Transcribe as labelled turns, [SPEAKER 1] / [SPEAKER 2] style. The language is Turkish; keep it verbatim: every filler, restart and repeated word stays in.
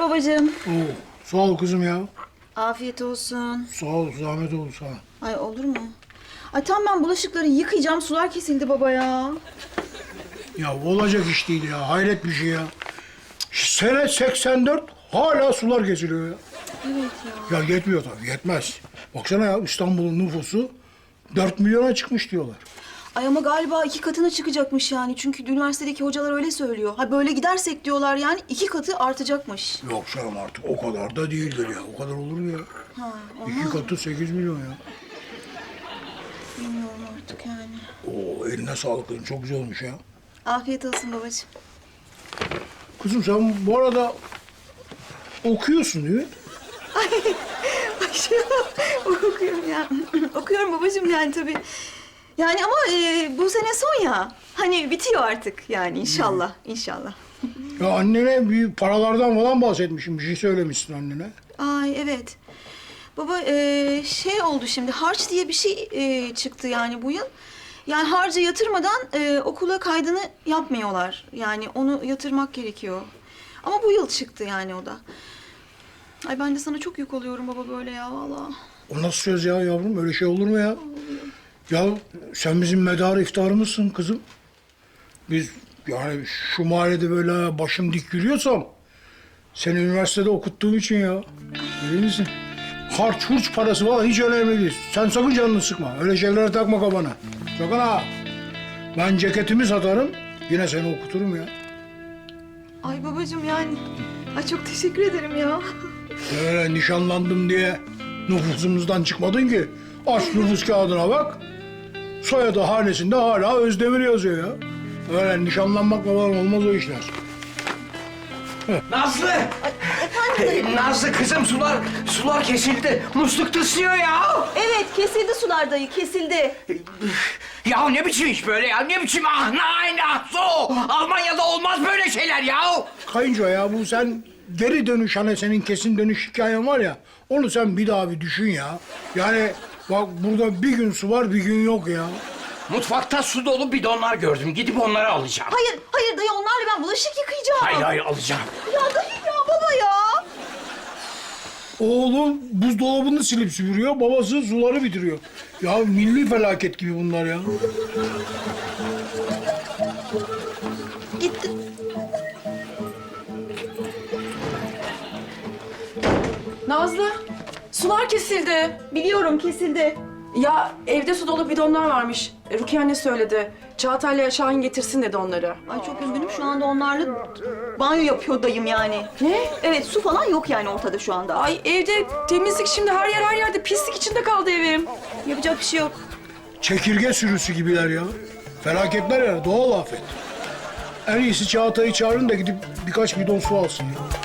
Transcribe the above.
[SPEAKER 1] babacığım.
[SPEAKER 2] Oo, sağ ol kızım ya.
[SPEAKER 1] Afiyet olsun.
[SPEAKER 2] Sağ ol, zahmet oldu sana.
[SPEAKER 1] Ay olur mu? Ay tam ben bulaşıkları yıkayacağım. Sular kesildi baba ya.
[SPEAKER 2] Ya olacak iş değil ya, hayret bir şey ya. Sene seksen dört, hala sular kesiliyor ya.
[SPEAKER 1] Evet ya.
[SPEAKER 2] Ya yetmiyor tabii, yetmez. Baksana ya, İstanbul'un nüfusu dört milyona çıkmış diyorlar.
[SPEAKER 1] Ay ama galiba iki katına çıkacakmış yani. Çünkü üniversitedeki hocalar öyle söylüyor. Ha böyle gidersek diyorlar yani iki katı artacakmış.
[SPEAKER 2] Yok canım artık o kadar da değildir ya. O kadar olur mu ya?
[SPEAKER 1] Ha,
[SPEAKER 2] İki katı sekiz milyon ya.
[SPEAKER 1] bilmiyorum artık yani.
[SPEAKER 2] Oo, eline sağlık kızım, çok güzel olmuş ya.
[SPEAKER 1] Afiyet olsun babacığım.
[SPEAKER 2] Kızım sen bu arada okuyorsun değil mi?
[SPEAKER 1] Ay şey okuyorum ya. Okuyorum babacığım yani tabii. Yani ama e, bu sene son ya. Hani bitiyor artık yani inşallah, inşallah.
[SPEAKER 2] Ya annene bir paralardan falan bahsetmişim. Bir şey söylemişsin annene.
[SPEAKER 1] Ay evet. Baba e, şey oldu şimdi harç diye bir şey e, çıktı yani bu yıl. Yani harcı yatırmadan e, okula kaydını yapmıyorlar. Yani onu yatırmak gerekiyor. Ama bu yıl çıktı yani o da. Ay ben de sana çok yük oluyorum baba böyle ya vallahi.
[SPEAKER 2] O nasıl söz ya yavrum? Öyle şey olur mu ya? Ya sen bizim medarı iftarımızsın kızım. Biz yani şu mahallede böyle başım dik yürüyorsam seni üniversitede okuttuğum için ya. Bilir misin? Harç hurç parası falan hiç önemli değil. Sen sakın canını sıkma. Öyle şeylere takma kafana. Sakın ha. Ben ceketimi satarım, yine seni okuturum ya.
[SPEAKER 1] Ay babacığım yani. Ay çok teşekkür ederim ya.
[SPEAKER 2] Öyle nişanlandım diye nüfusumuzdan çıkmadın ki. Aç nüfus kağıdına bak. Soyadı hanesinde hala Özdemir yazıyor ya. Öyle nişanlanmak falan olmaz o işler.
[SPEAKER 3] Nazlı! Ee, Nazlı kızım sular sular kesildi. Musluk tıslıyor ya.
[SPEAKER 1] Evet kesildi sular dayı kesildi.
[SPEAKER 3] Ya ne biçim iş böyle ya? Ne biçim ah nein ah so? Almanya'da olmaz böyle şeyler ya.
[SPEAKER 2] Kayınço ya bu sen geri dönüş hani senin kesin dönüş hikayen var ya. Onu sen bir daha bir düşün ya. Yani bak burada bir gün su var bir gün yok ya.
[SPEAKER 3] Mutfakta su dolu bidonlar gördüm. Gidip onları alacağım.
[SPEAKER 1] Hayır hayır dayı onlarla ben bulaşık yıkayacağım.
[SPEAKER 3] Hayır hayır alacağım.
[SPEAKER 1] Ya dayı ya baba ya.
[SPEAKER 2] Oğlum buzdolabını silip süpürüyor, babası suları bitiriyor. Ya milli felaket gibi bunlar ya.
[SPEAKER 1] Gitti.
[SPEAKER 4] Nazlı, sular kesildi.
[SPEAKER 1] Biliyorum kesildi.
[SPEAKER 4] Ya evde su dolu bidonlar varmış. E, Rukiye anne söyledi. Çağatay'la Şahin getirsin dedi onları.
[SPEAKER 1] Ay çok üzgünüm şu anda onlarla banyo yapıyor dayım yani.
[SPEAKER 4] Ne?
[SPEAKER 1] Evet su falan yok yani ortada şu anda.
[SPEAKER 4] Ay evde temizlik şimdi her yer her yerde pislik içinde kaldı evim.
[SPEAKER 1] Yapacak bir şey yok.
[SPEAKER 2] Çekirge sürüsü gibiler ya. Felaketler ya, doğal afet. En iyisi Çağatay'ı çağırın da gidip birkaç bidon su alsın ya.